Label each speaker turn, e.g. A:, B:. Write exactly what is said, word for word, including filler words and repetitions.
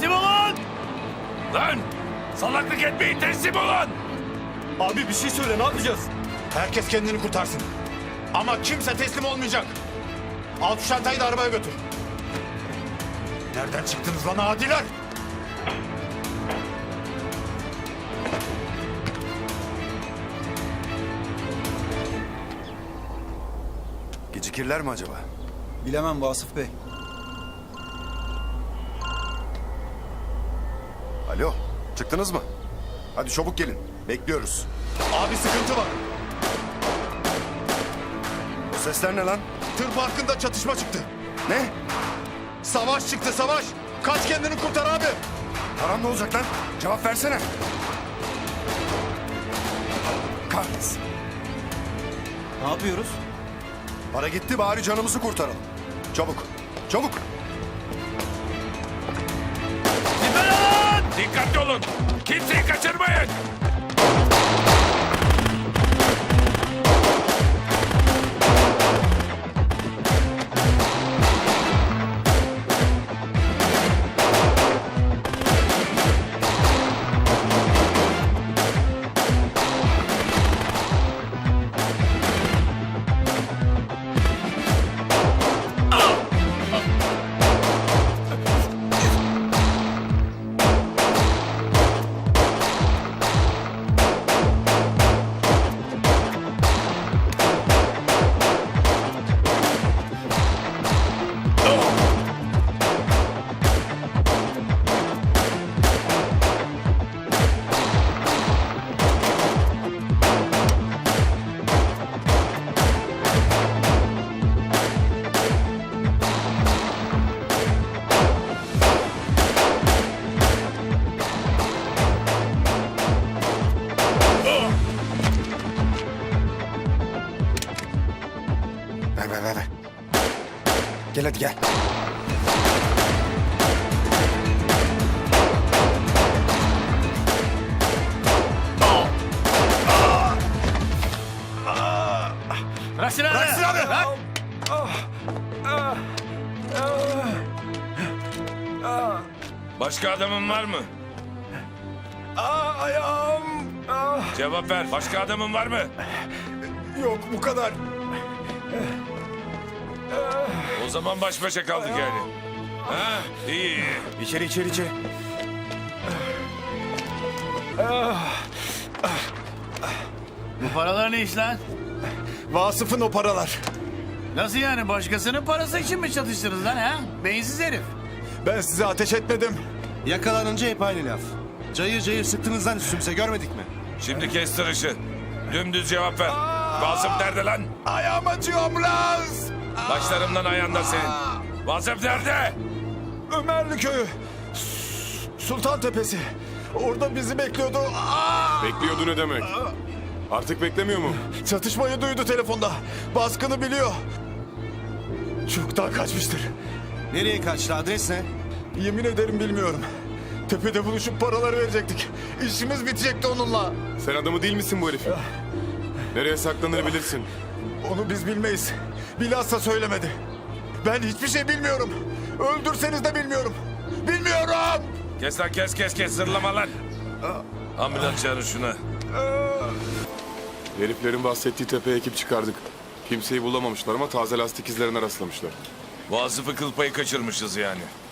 A: Teslim olun!
B: Lan! Salaklık etmeyin, teslim olun!
C: Abi bir şey söyle, ne yapacağız?
D: Herkes kendini kurtarsın. Ama kimse teslim olmayacak. Al şu çantayı da arabaya götür. Nereden çıktınız lan adiler?
E: Gecikirler mi acaba?
F: Bilemem Vasıf Bey.
E: Alo, çıktınız mı? Hadi çabuk gelin, bekliyoruz.
D: Abi sıkıntı var.
E: O sesler ne lan?
D: Tır parkında çatışma çıktı.
E: Ne?
D: Savaş çıktı, savaş. Kaç kendini kurtar abi.
E: Param ne olacak lan? Cevap versene. Kahretsin.
F: Ne yapıyoruz?
E: Para gitti, bari canımızı kurtaralım. Çabuk, çabuk.
B: Siper alın! Dikkatli olun! Kimseyi kaçırmayın!
E: Ver, ver, ver, ver. Gel hadi gel.
A: Bırak silahını!
D: Bırak silahını!
A: Bırak!
B: Başka adamın var mı?
D: Aa, ayağım. Ah,
B: Cevap ver. Başka adamın var mı?
D: yok bu kadar.
B: O zaman baş başa kaldık yani. Ha, iyi iyi.
E: İçeri, içeri, içeri.
A: Bu paralar ne iş lan?
D: Vasıf'ın o paralar.
A: Nasıl yani? Başkasının parası için mi çatıştınız lan ha? Beyinsiz herif.
D: Ben size ateş etmedim.
F: Yakalanınca hep aynı laf. Cayır cayır sıktığınızdan üstümüze görmedik mi?
B: Şimdi kes tırışı. Dümdüz cevap ver. Vasıf nerede lan?
D: Ayağım acıyor ambulans.
B: Başlarımdan ayağında senin. Vasıf nerede?
D: Ömerli köyü. S- Sultan Tepesi. Orada bizi bekliyordu. Aa!
G: Bekliyordu ne demek? Artık beklemiyor mu?
D: Çatışmayı duydu telefonda. Baskını biliyor. Çoktan kaçmıştır.
F: Nereye kaçtı? Adres ne?
D: Yemin ederim bilmiyorum. Tepede buluşup paraları verecektik. İşimiz bitecekti onunla.
G: Sen adamı değil misin bu herifin? Nereye saklanır bilirsin.
D: Onu biz bilmeyiz. Bilhassa söylemedi. Ben hiçbir şey bilmiyorum. Öldürseniz de bilmiyorum. Bilmiyorum!
B: Kes lan kes kes kes zırlama lan. Ambulans çağırın şuna.
G: Heriflerin bahsettiği tepeye ekip çıkardık. Kimseyi bulamamışlar ama taze lastik izlerine rastlamışlar.
B: Vasıf'ı kıl payı kaçırmışız yani.